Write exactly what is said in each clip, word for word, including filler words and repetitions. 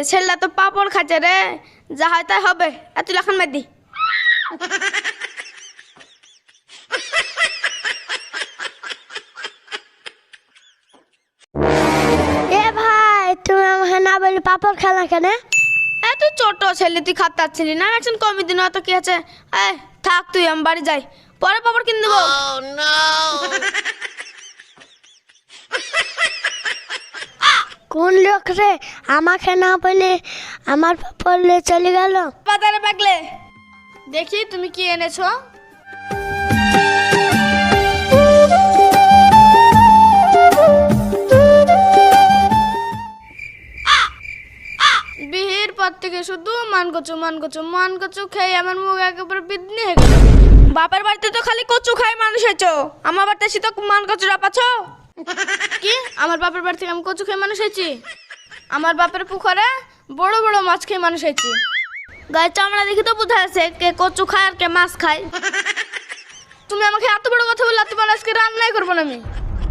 ছেলেটা তো পাপড় খাচ্ছে রে, যা হয় তাই হবে। এত লাখান মার দি। এ ভাই তুমি আমাকে না বলে পাপড় খেলা কেন? এত ছোট ছেলে তুই খাতে পারছিলি না, একজন কমই দিন তো কি আছে। এই থাক তুই, আমি বাড়ি যাই, পরে পাপড় কিনে দেবো। কোন লোক রে আমাকে না বলে আমার পাপড় চলে গেল? বাজারে বাগলে দেখি তুমি কি এনেছো। বিহির পর থেকে শুধু মান কচু মান কচু মান কচু খেয়ে আমার মুখ একেবারে বিদনি হয়ে গেল। বাপের বাড়িতে তো খালি কচু খাই মানুষ হয়েছো, আমার বাড়িতে এসে তো মান কচুরা পাচ্ছ কি? আমার বাপের বাড়ি থেকে আমি কচু খেয়ে মানুষ হয়েছি? আমার বাপের পুকুরে বড় বড় মাছ খেয়ে মানুষ হয়েছি। গায়ে চামড়া দেখি তো বোঝা আছে কে কচু খায় আর কে মাছ খায়। তুমি আমাকে এত বড় কথা বললে, তোমার আজকে রান্নাই করবো না আমি।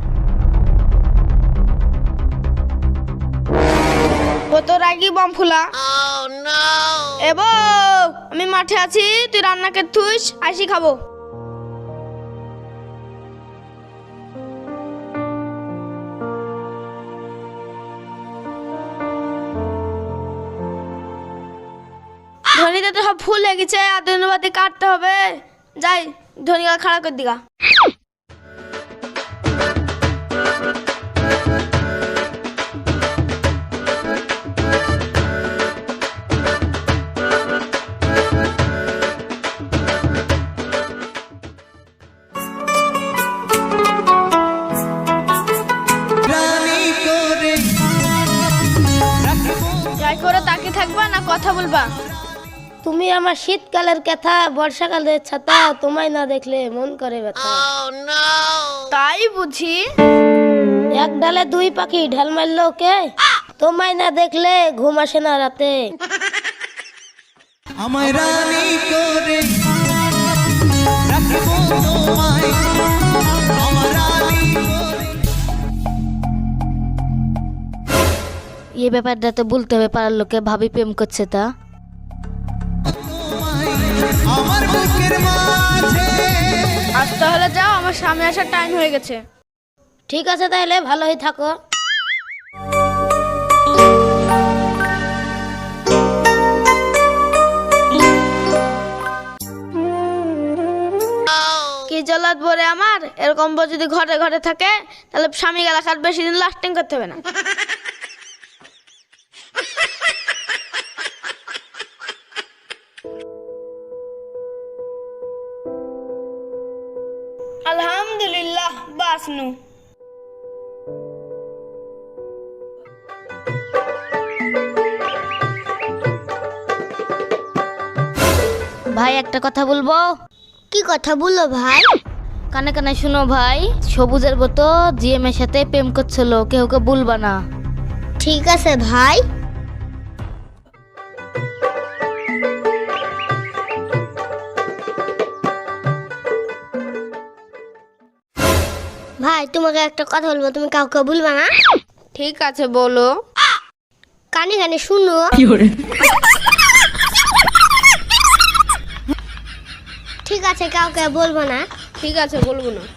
কত রাগি বম ফুলা। এবো আমি মাঠে আছি, তুই রান্নাকে থুইস, আসি খাবো। ধনিতে তো সব ফুল হয়ে গেছে, আর ধন্যবাদে কাটতে হবে। যাই ধনিকা খাড়া করে দিগা। যাই করে তাকে থাকবা না কথা বলবা? তুমি আমার শীতকালের কথা বর্ষাকালের ছাতা, তোমায় না দেখলে মন করে ব্যথা। তাই বুঝি? এক ডালে দুই পাখি ঢাল মারলো কে? তোমায় না দেখলে ঘুম আসে না রাতে। আমায় রানী করে রাখবো তোমায়, আমার রানী করে। এই ব্যাপারটা তো বলতে হবে পাড়ার লোকে, ভাবি প্রেম করছে তা। আমার বুকের মাঝে আজ তাহলে যাও, আমার স্বামী আসার টাইম হয়ে গেছে। ঠিক আছে তাহলে ভালোই থাকো। কি জলাদ বরে আমার, এরকম বউ যদি ঘরে ঘরে থাকে তাহলে স্বামী এলাকার বেশি দিন লাস্টিং করতে হবে না। আলহামদুলিল্লাহ বাসনু। ভাই একটা কথা বলবো। কি কথা বললো ভাই? কানে কানে শুনো ভাই, সবুজের মতো জিএম এর সাথে প্রেম করছিল, কেউ কে বলবা না। ঠিক আছে ভাই। ভাই তোমাকে একটা কথা বলবো, তুমি কাউকে বলবা না? ঠিক আছে বলো। কানে কানে শুনো। ঠিক আছে কাউকে বলবো না। ঠিক আছে বলবো না।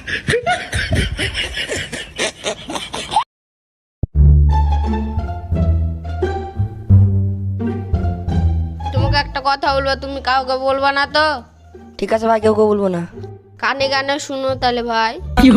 তোমাকে একটা কথা বলবো, তুমি কাউকে বলবা না তো? ঠিক আছে ভাই, কেউ কেউ বলবো না। কানে কানে শুনো তাহলে ভাই।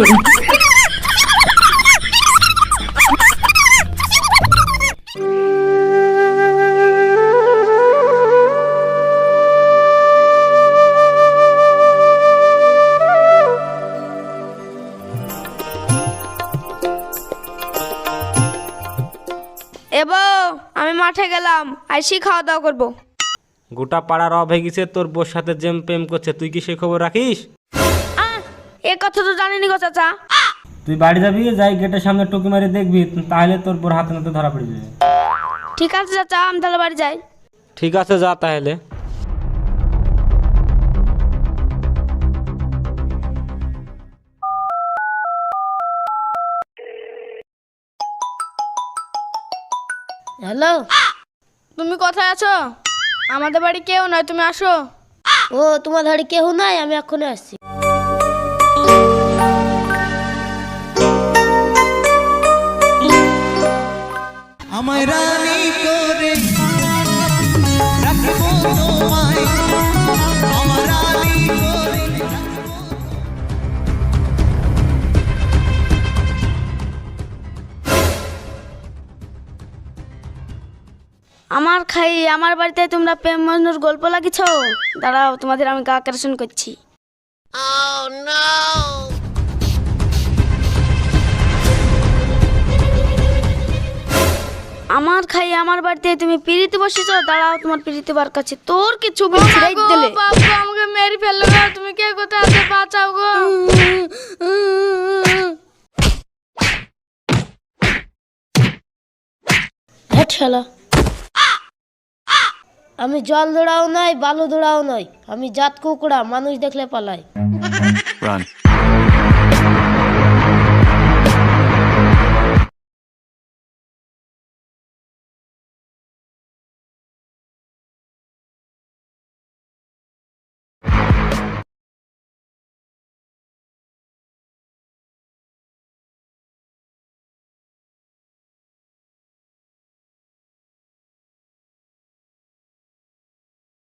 এবো আমি মাঠে গেলাম, আইসি খাওয়া দাওয়া করবো। গোটা পাড়ার অব হয়ে গেছে তোর বোর সাথে জেম প্রেম করছে, তুই কি সেই খবর রাখিস? আহ, এ কথা তো জানিনি গো চাচা। তুই বাড়ি যাবি, যাই গেটের সামনে টুকি মারি দেখবি, তাহলে তোর বোর হাতে নাতে ধরা পড়ে যাবে। ঠিক আছে চাচা, আমি তাহলে বাড়ি যাই। ঠিক আছে যা তাহলে। হ্যালো তুমি কোথায় আছো? আমাদের বাড়ি কেউ নয়, তুমি আসো। ও তোমার ধারে কেউ নাই, আমি এখনই আসছি। আমায় রানী করে রাখবো তোমায়, আমার রানী করে আমার খাই আমার বাড়িতে তোমরা প্রেম মজনুর গল্প লাগিছ? দাঁড়াও, তোমাদের আমি গা অপারেশন করছি। আমার খাই আমার বাড়িতে তুমি পিড়িতে বসেছ? দাঁড়াও, তোমার পিড়িতে বার কাছে তোর কি ছবি ছিঁড়ে দিলে। বাবা আমাকে মেরে ফেললো গো, তুমি কে কোথায় আছে বাঁচাও গো। হ্যাঁ শালা, আমি জল দৌড়াও নয়, বালু দৌড়াও নয়, আমি জাত কুকুড়া, মানুষ দেখলে পালাই। Run.